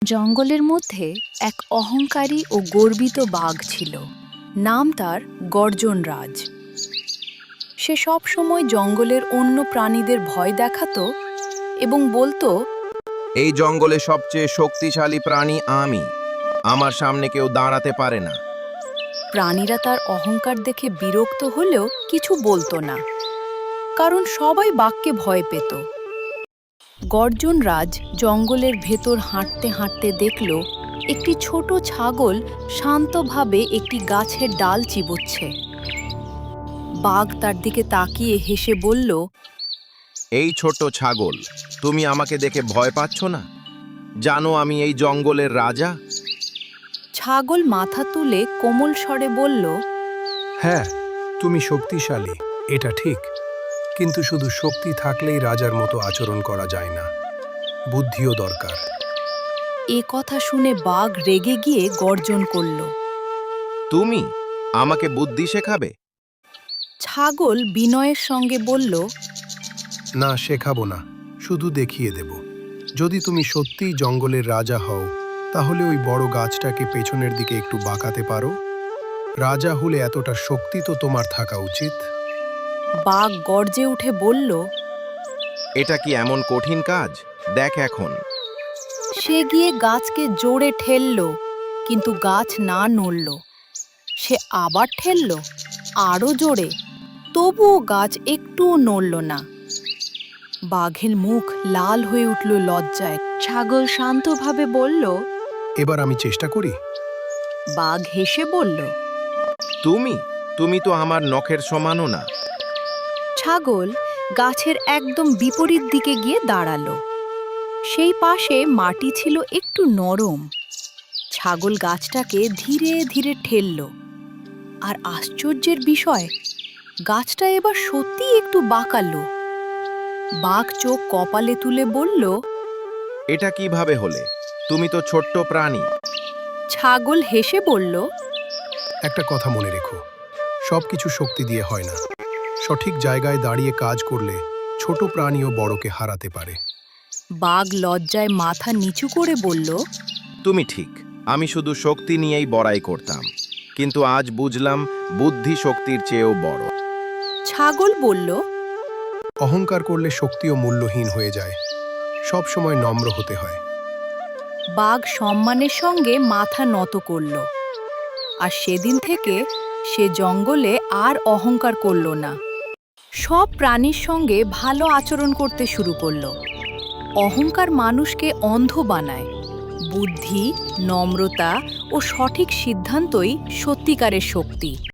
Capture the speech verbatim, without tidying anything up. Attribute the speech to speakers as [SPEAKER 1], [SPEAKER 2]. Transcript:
[SPEAKER 1] জঙ্গলের মধ্যে এক অহংকারী ও গর্বিত বাঘ ছিল। নাম তার গর্জন রাজ। সে সব সময় জঙ্গলের অন্য প্রাণীদের ভয় দেখাতো এবং বলতো,
[SPEAKER 2] এই জঙ্গলে সবচেয়ে শক্তিশালী প্রাণী আমি। আমার সামনে কেউ দাঁড়াতে পারে না।
[SPEAKER 1] প্রাণীরা তার অহংকার দেখে বিরক্ত হলেও কিছু বলতো না, কারণ সবাই বাঘকে ভয় পেত। গর্জন রাজ জঙ্গলের ভেতর হাঁটতে হাঁটতে দেখল একটি ছোট ছাগল শান্তভাবে একটি গাছের ডাল চিবোচ্ছে। বাঘ তার দিকে তাকিয়ে হেসে বলল,
[SPEAKER 2] এই ছোট ছাগল, তুমি আমাকে দেখে ভয় পাচ্ছ না? জানো আমি এই জঙ্গলের রাজা।
[SPEAKER 1] ছাগল মাথা তুলে কোমল স্বরে বলল,
[SPEAKER 3] হ্যাঁ, তুমি শক্তিশালী, এটা ঠিক, কিন্তু শুধু শক্তি থাকলেই রাজার মতো আচরণ করা যায় না, বুদ্ধিও দরকার।
[SPEAKER 1] এ কথা শুনে বাঘ রেগে গিয়ে গর্জন করল।
[SPEAKER 2] তুমি আমাকে বুদ্ধি শেখাবে?
[SPEAKER 1] ছাগল বিনয়ের সঙ্গে বলল,
[SPEAKER 3] না, শেখাবো না, শুধু দেখিয়ে দেব। যদি তুমি সত্যিই জঙ্গলের রাজা হও, তাহলে ওই বড় গাছটাকে পেছনের দিকে একটু বাঁকাতে পারো। রাজা হলে এতটা শক্তি তো তোমার থাকা উচিত।
[SPEAKER 1] বাঘ গর্জে উঠে বলল,
[SPEAKER 2] এটা কি এমন কঠিন কাজ? দেখ এখন।
[SPEAKER 1] সে গিয়ে গাছকে জোরে ঠেলল, কিন্তু গাছ না নড়ল। সে আবার ঠেলল, আরও জোরে, তবুও গাছ একটুও নড়ল না। বাঘের মুখ লাল হয়ে উঠল লজ্জায়। ছাগল শান্তভাবে বলল,
[SPEAKER 3] এবার আমি চেষ্টা করি।
[SPEAKER 1] বাঘ হেসে বলল,
[SPEAKER 2] তুমি তুমি তো আমার নখের সমানও না।
[SPEAKER 1] ছাগল গাছের একদম বিপরীত দিকে গিয়ে দাঁড়ালো। সেই পাশে মাটি ছিল একটু নরম। ছাগল গাছটাকে ধীরে ধীরে ঠেলল, আর আশ্চর্যের বিষয়, গাছটা এবার সত্যিই একটু বাঁকালো। বাঘ চোখ কপালে তুলে বলল,
[SPEAKER 2] এটা কিভাবে হলে? তুমি তো ছোট্ট প্রাণী।
[SPEAKER 1] ছাগল হেসে বলল,
[SPEAKER 3] একটা কথা মনে রেখো, সব কিছু শক্তি দিয়ে হয় না। সঠিক জায়গায় দাঁড়িয়ে কাজ করলে ছোট প্রাণীও বড়কে হারাতে পারে।
[SPEAKER 1] বাঘ লজ্জায় মাথা নিচু করে বলল,
[SPEAKER 2] তুমি ঠিক, আমি শুধু শক্তি নিয়েই বড়াই করতাম, কিন্তু আজ বুঝলাম বুদ্ধি শক্তির চেয়েও বড়।
[SPEAKER 1] ছাগল বলল,
[SPEAKER 3] অহংকার করলে শক্তিও মূল্যহীন হয়ে যায়। সব সময় নম্র হতে হয়।
[SPEAKER 1] বাঘ সম্মানের সঙ্গে মাথা নত করল, আর সেদিন থেকে সে জঙ্গলে আর অহংকার করল না। সব প্রাণীর সঙ্গে ভালো আচরণ করতে শুরু করল। অহংকার মানুষকে অন্ধ বানায়। বুদ্ধি, নম্রতা ও সঠিক সিদ্ধান্তই সত্যিকারের শক্তি।